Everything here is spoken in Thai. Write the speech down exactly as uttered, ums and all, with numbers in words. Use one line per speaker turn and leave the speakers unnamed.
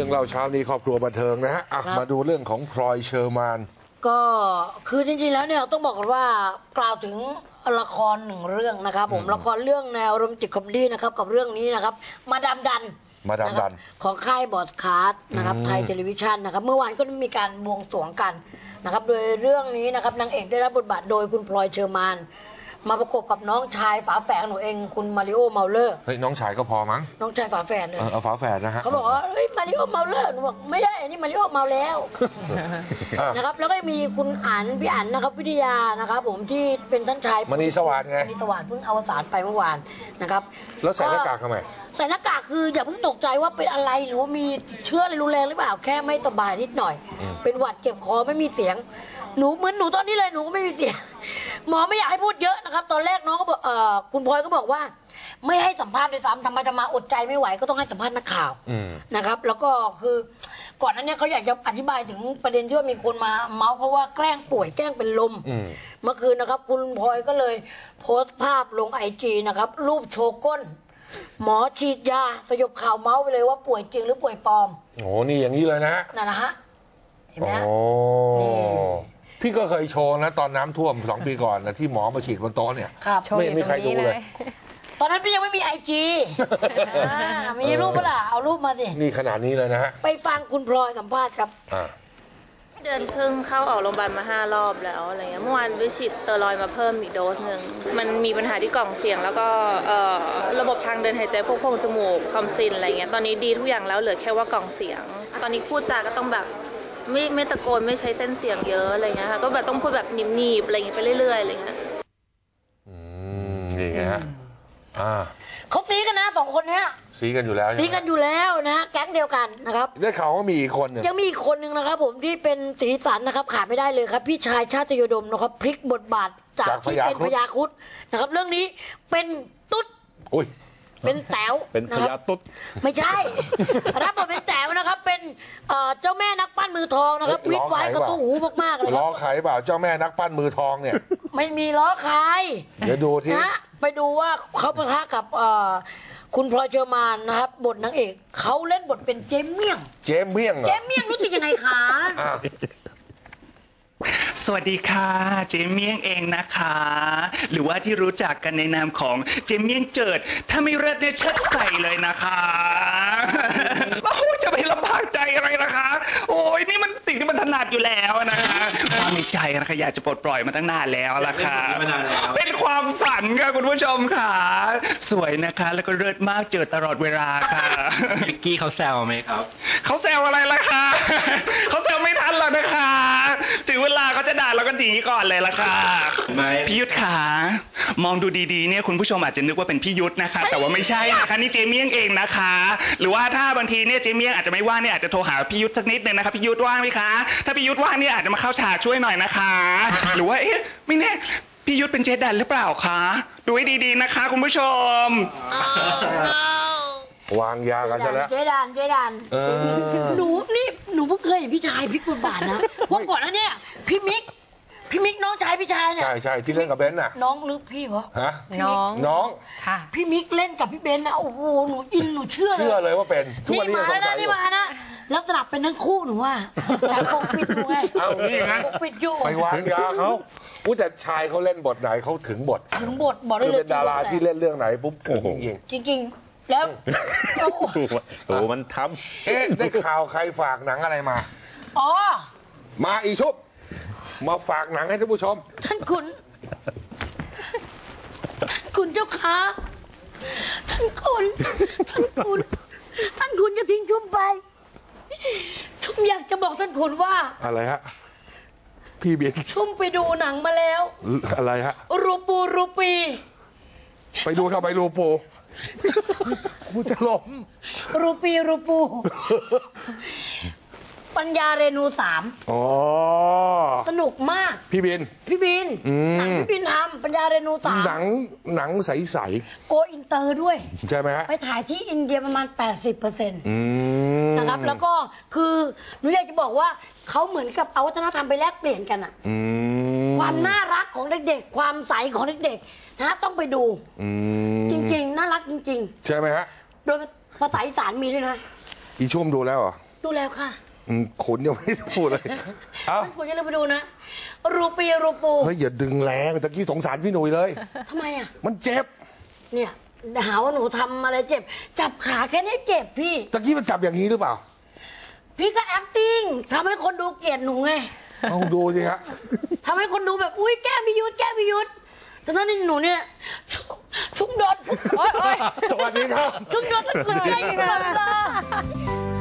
รื่องเล่าเช้านี้ครอบครัวบันเทิงนะฮะมาดูเรื่องของพลอยเชอร์มาน
ก็คือจริงๆแล้วเนี่ยต้องบอกกันว่ากล่าวถึงละครหนึ่งเรื่องนะครับผมละครเรื่องแนวโรแมนติกคอมเมดี้นะครับกับเรื่องนี้นะครับมาดามดัน
มาดามดัน
ของค่ายบอสคาร์ดนะครับไทยเทเลวิชันนะครับเมื่อวานก็มีการบวงสรวงกันนะครับโดยเรื่องนี้นะครับนางเอกได้รับบทบาทโดยคุณพลอยเชอร์มานมาประกบกับน้องชายฝาแฝดหนูเองคุณมาริโอเมาเลอร์
เฮ้ยน้องชายก็พอมั้ง
น้องชายฝาแฝดเลย
เอาฝาแฝดนะฮะ
เขาบอกว่าเฮ้ยมาริโอเมาเลอร์หนูบอกไม่ได้อันนี้มาริโอเมาแล้วนะครับแล้วก็มีคุณอั๋นพี่อั๋นนะครับวิทยานะครับผมที่เป็นท่านชาย
มณีสวัสดิ์ไง
มณีสวัสดิ์เพิ่งอวสานไปเมื่อวานนะครับ
แล้วใส่หน้ากากทำไม
ใส่หน้ากากคืออย่าเพิ่งตกใจว่าเป็นอะไรหรือว่ามีเชื้ออะไรรุนแรงหรือเปล่าแค่ไม่สบายนิดหน่อยเป็นหวัดเจ็บคอไม่มีเสียงหนูเหมือนหนูตอนนี้เลยหนูก็ไม่มีเสียงหมอไม่อยากให้พูดเยอะนะครับตอนแรกน้องก็บอกเอ่อคุณพลอยก็บอกว่าไม่ให้สัมภาษณ์ด้วยซ้ำทำไมจะมาอดใจไม่ไหวก็ต้องให้สัมภาษณ์นักข่าวนะครับแล้วก็คือก่อนหน้านี้เขาอยากจะอธิบายถึงประเด็นที่ว่ามีคนมาเมาส์เพราะว่าแกล้งป่วยแกล้งเป็นลมเมื่อคืนนะครับคุณพลอยก็เลยโพสต์ภาพลงไอจีนะครับรูปโชว์ก้นหมอฉีดยาสยบข่าวเมาส์ไปเลยว่าป่วยจริงหรือป่วยปลอม
โอ้นี่อย่างนี้เลยนะ
นั่นนะฮะเห็นไหม
โอ้พี่ก็เคยโชว์นะตอนน้ำท่วมสองปีก่อนนะที่หมอมาฉีดบนโต๊ะเนี่ยไม่มีใครดูเลย
ตอนนั้นพี่ยังไม่มีไอจีมีรูปเปล่าเอารูปมาสิ
นี่ขนาดนี้เลยนะฮะ
ไปฟังคุณพลอยสัมภาษณ์ครับ
เดือนครึ่งเข้าออกโรงพยาบาลมาห้ารอบแล้วอะไรเงี้ยเมื่อวานไปฉีดสเตอรอยด์มาเพิ่มอีกโดสหนึ่งมันมีปัญหาที่กล่องเสียงแล้วก็ระบบทางเดินหายใจพวกโพรงจมูกทอมซินอะไรเงี้ยตอนนี้ดีทุกอย่างแล้วเหลือแค่ว่ากล่องเสียงตอนนี้พูดจาก็ต้องแบบไม่ไม่ตะโกนไม่ใช้เส้นเสียงเยอะอะไรเงี้ยค่ะก็แบบต้องพูดแบบหนีบๆอะไรเงี้ยไปเรื่อยๆอะไรเงี้ย
อืมนี่ไงฮะอ่า
เขาซีกันนะสองคนเนี้ย
ซีกันอยู่แล้ว
ซีกันอยู่แล้วนะแก๊งเดียวกันนะครับ
ได้ข่าวว่ามีอีกคนนึง
ยังมีอีกคนนึงนะครับผมที่เป็นสีสันนะครับขาดไม่ได้เลยครับพี่ชายชาติโยดมนะครับพลิกบทบาทจากที่เป็นพญาครุฑนะครับเรื่องนี้เป็นตุ๊ด
อุ้ย
เป็นแต๋ว
เป็นพญาตุ๊ด
ไม่ใช่รับบทเป็นแต๋วนะครับเป็นเจ้าแม่นักปั้นมือทองนะครับวิทย์ไว้กระตู้หูมากๆเลย
ล้อใครเปล่าเจ้าแม่นักปั้นมือทองเนี่ย
ไม่มีล้อใคร
เดี๋ยวดูที่
นะไปดูว่าเขาปะทะกับคุณพลอยเชอร์มานนะครับบทนางเอกเขาเล่นบทเป็นเจมเมี่ยง
เจมเมี่ยง
เจมเมี่ยงรู้สึกยังไงคะ
สวัสดีค่ะเจมเมี่ยงเองนะคะหรือว่าที่รู้จักกันในนามของเจมเมี่ยงเจิดถ้าไม่เลิศเนี่ยเชิดใส่เลยนะคะโอ้จะไปลำบากใจอะไรนะคะโอ้ยนี่มันสิ่งที่มันถนัดอยู่แล้วนะคะความในใจนะคะอยากจะปลดปล่อยมาตั้งนานแล้วล่ะค่ะเป็นความฝันค่ะคุณผู้ชมค่ะสวยนะคะแล้วก็เลิศมากเจิดตลอดเวลาค่ะ
วิกกี้เขาแซวไหมครับ
เขาแซวอะไรล่ะคะเขาแซวไม่ทันหรอกนะคะถึงเวลาเขาจะด่าเราก็หนีก่อนเลยล่ะค่ะพี่ยุทธขามองดูดีๆเนี่ยคุณผู้ชมอาจจะนึกว่าเป็นพี่ยุทธนะคะแต่ว่าไม่ใช่นะคะนี่เจเมี่ยงเองนะคะหรือว่าถ้าบางทีเนี่ยเจเมี่ยงอาจจะไม่ว่างเนี่ยอาจจะโทรหาพี่ยุทธสักนิดนึงนะคะพี่ยุทธว่างไหมคะถ้าพี่ยุทธว่างเนี่ยอาจจะมาเข้าฉากช่วยหน่อยนะคะหรือว่าเอ๊ะไม่แน่พี่ยุทธเป็นเจดันหรือเปล่าคะดูให้ดีๆนะคะคุณผู้ชม
วางยากันซะแล้ว
เจดันเจดันหนูนี่หนูเพิ่งเคยเห็นพี่ชายพลิกบทบาทนะเพราะก่อนนั้นเนี่ยพี่มิกพี่มิกน้องชายพี่ชายเนี่ย
ใช่ใช่ที่เล่นกับเบนน่ะ
น้องหรือพี่เหรอ
ฮะ
น้อง
น้อง
ค่ะพี่มิกเล่นกับพี่เบนนะโอ้โหหนูอินหนูเชื่อเลย
เชื่อเลยว่าเป็น
ทุกวันนี้มานะนี่มานะแล้วสลับเป็นทั้งคู่หนูว่าแต่ปกปิดอยู่ไง
เอานี่ไง
ปกปิดอยู่
ไปวางยาเขาอู้แต่ชายเขาเล่นบทไหนเขาถึงบท
ถึงบทบอกได้เลย
เป็นดาราที่เล่นเรื่องไหนปุ๊บถึง
จริงจริงแล้ว
โอ้มันท
ำเอ๊ะได้ข่าวใครฝากหนังอะไรมา
อ๋อ
มาอีชุบมาฝากหนังให้ท่านผู้ชม
ท่านคุณคุณเจ้าค่ะท่านคุณท่านคุณท่านคุณจะทิ้งชุมไปชุมอยากจะบอกท่านคุณว่า
อะไรฮะพี่เบียน
ชุมไปดูหนังมาแล้ว
อะไรฮะ
รูปูรูปี
ไปดูทำไมรูปูกูจะล้ม
รูปีรูปูปัญญาเรนูสาม
อ๋อ
สนุกมาก
พี่บิน
พี่บินหนังพี่บินทำปัญญาเรนูสาม
หนังหนังใส
ๆโกอินเตอร์ด้วย
ใช่ไหมฮะ
ไปถ่ายที่อินเดียประมาณ แปดสิบเปอร์เซ็นต์ นะครับแล้วก็คือหนูอยากจะบอกว่าเขาเหมือนกับเอาวัฒนธรรมไปแลกเปลี่ยนกันอะความน่ารักของเด็กๆความใสของเด็กๆนะต้องไปดูจริงๆน่ารักจริง
ๆใช่ไหมฮะ
โดยภาษาอีสานมีด้วยนะ
อีชุ่มดูแล้วเหรอ
ดูแล้วค่ะ
อืมขุนยังไม่ได้พูดเลยเอ้า
คุณอย่าลืมไปดูนะรูปีรูปู
เฮ้ยอย่าดึงแรงตะกี้สงสารพี่หนุ่ยเลย
ทำไมอ่ะ
มันเจ็บ
เนี่ยหาว่าหนูทำอะไรเจ็บ จับขาแค่นี้เจ็บพี่
ตะกี้มันจับอย่างนี้หรือเปล่า
พี่ก็ acting ทำให้คนดูเกลียดหนูไง
เอาดูสิฮะ
ทำให้คนดูแบบอุ้ยแก้พิยุทธแก้พิยุทธแต่ตอนนี้หนูเนี่ยชุกชุกโดนโอ๊ยโอ๊ย
สวัสดีครับ
ชุกโดนตะกุนได้ตลอดเวลา